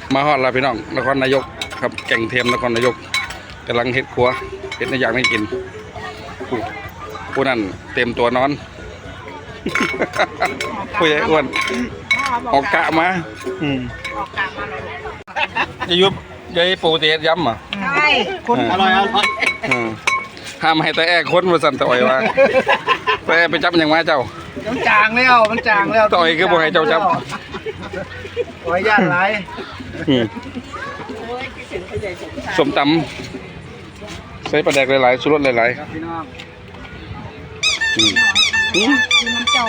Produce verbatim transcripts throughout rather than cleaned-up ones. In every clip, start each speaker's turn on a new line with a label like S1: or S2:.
S1: มาฮอดแล้วพี่น้องนครนายกครับแก่งเทียมนครนายกกำลังเฮ็ดครัวเฮ็ดในอย่างให้กินผู้ผู้นั้นเต็มตัวนอน ผู้ใหญ่อ้วนออกกะมาอืมยายุบยายปูเตียย้ำอ่ะ
S2: ใช่คนอร่อยอร่อย
S1: ห้ามให้แต่แอ้คนมาสั่นต่อยว่าแต่แอ้ไปจับอย่างมาเจ้า
S2: มันจางแล้วมันจางแล้ว
S1: ต่อยคือบ่ให้เจ้าจับ
S2: โอ้ยย่านไร
S1: อืมสมตำใส่ปลาแดกหลายๆสุรสหลาย
S2: ครับพี่น้อง
S1: ๆอืมอืม
S2: น้ำเจ้า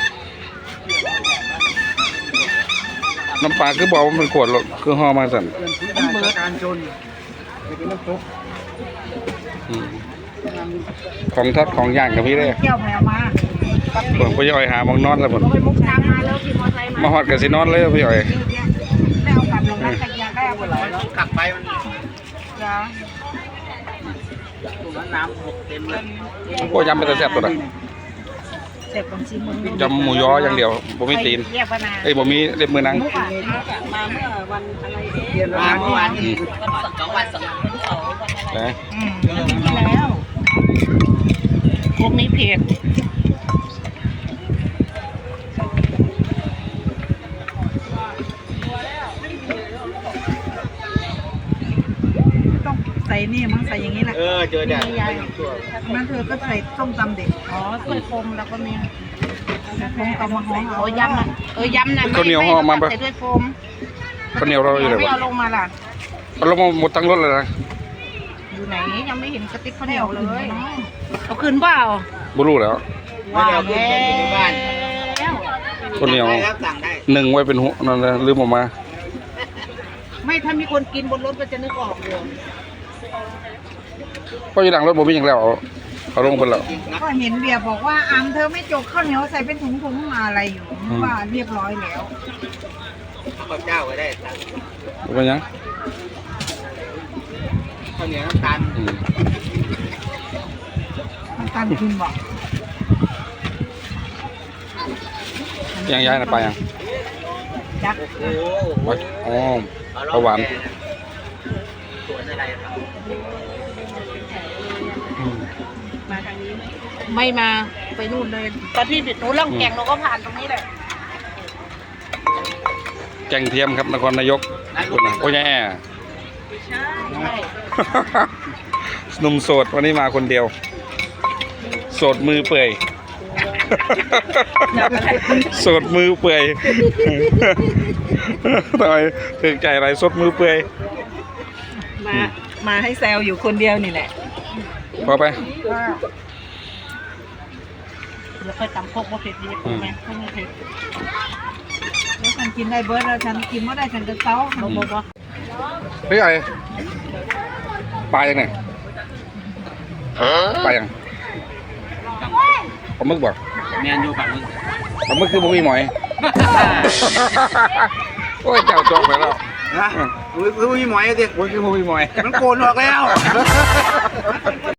S1: น้ำปลาคือบอกว่ามันขวดหรอกคือห่อมาสั่น
S2: เพื่อนที่ได้จากการจนไปกินน้ำซุป
S1: อืมของทัดของย่างกับพี่เลย
S2: แก้วแมวมา
S1: เพิ่งไปย่อยหามองนอนแล้วผม
S2: ไปมุกทางมาแล้วขี่มอเตอร์ไซค์มา
S1: มาฮอดกับสินอนเลยพี่ย่อย
S2: ไม่เอากลับลงนักตะเกียงได้เอาหมดเลยแล้วกลับไปมันจ้าตรงนั้นน้ำหกเต็มเลย
S1: โอ้ยำไปแต่แซ่บตัวละ
S2: เสร็จของชิมมึง
S1: ยำหมูยออย่างเดียวบ่มีตีน
S2: เรียกพนา
S1: เอ้ยบ่มีเล็บมือนัง
S2: มาเมื่อวันอะไรเย็นมาเมื่อวานนี้สองวันสองวันสองวัน
S1: นะ
S2: อืมแล้วพวกนี้เผ็ดต้องใส่นี่มั้งใส่อย่างนี้แหละ
S3: เออเจอแดด
S2: นั่นเธอก็ใส่ต้มตำเด็กอ๋อถ้วยโฟมแล้วก็มีโฟมกับมะฮองโอ้ยำอ่ะเออยำนะ
S1: ข้าวเหนียวห่อมาปะ
S2: ใส่ถ้วยโฟม
S1: ข้าวเหนียวเราอยู่ไหน
S2: ไม่
S1: วะ
S2: เอาลงมาล่ะ
S1: เอาลงมาหมดทั้งรถเลยนะ
S2: อยู่ไหนยังไม่เห็นกระติกข้าวเหนียวเลยเอาคืนเปล่า
S1: บ่รู้แล้ว
S2: ว้าวแล้ว
S1: ข้าวเหนียว
S3: ครับสั่งได้
S1: หนึ่งไว้เป็นหัวนั่นนะลืมออกมา
S2: ไม่ถ้ามีคนกินบนรถก็จะนึกออกเลย
S1: เพราะอยู่หลังรถบ่มีอย่างแล้วเอาเอาลงไปแล้ว
S2: ก็เห็นเบียร์บอกว่าอังเธอไม่จกข้าวเหนียวใส่เป็นถุงๆมาอะไรอยู่ว่าเรียบร้อยแล้ว
S3: ข้าวกับเจ้าก็ได้สั่ง
S1: บ่เป็นหยัง
S3: ข้าวเหนียวน้ำตาล
S1: อืม
S2: มันการกินบอก
S1: ยังย้ายน่ะไปยัง
S2: ยัก
S3: โอ้โห
S1: ไปอ๋อประหวาน
S3: สวนอะไรครับ
S1: อืม
S2: มาทางนี้ไม่มาไปนู่นเลยตอนที่หนูล่องแก่งหนูก็ผ่านตรงนี้แหละ
S1: แกงเทียมครับนครนายกคุณน่ะโอ้ยแย่
S2: ใช่ใช่
S1: หนุ่มโสดวันนี้มาคนเดียว โสดมือเปื่อย โสดมือเปื่อย ทำไมถึงใจอะไรสดมือเปื่อย
S2: มามาให้แซวอยู่คนเดียวนี่แหละ
S1: พอไป
S2: แล้วค่อยตำโคกว่าเผ็ดดีถูกไหมไม่เผ็ดแล้วฉันกินได้เบิร์ดแล้วฉันกินไม่ได้ฉันจะเต้าบอกบอกว่า
S1: เฮ้ยไอ้ปลายังไงปลายังปลาหมึกบอก
S3: แมนยูฝั่งนึง
S1: ปลาหมึกคือบ่มีหมอย โอ้ยเจ้าจอกไปแล้ว
S3: นะอุ้ยอุ้ยหมอยดิ
S1: โอ้ยคือบ่มีหมอย
S3: มันโกนออกแล้ว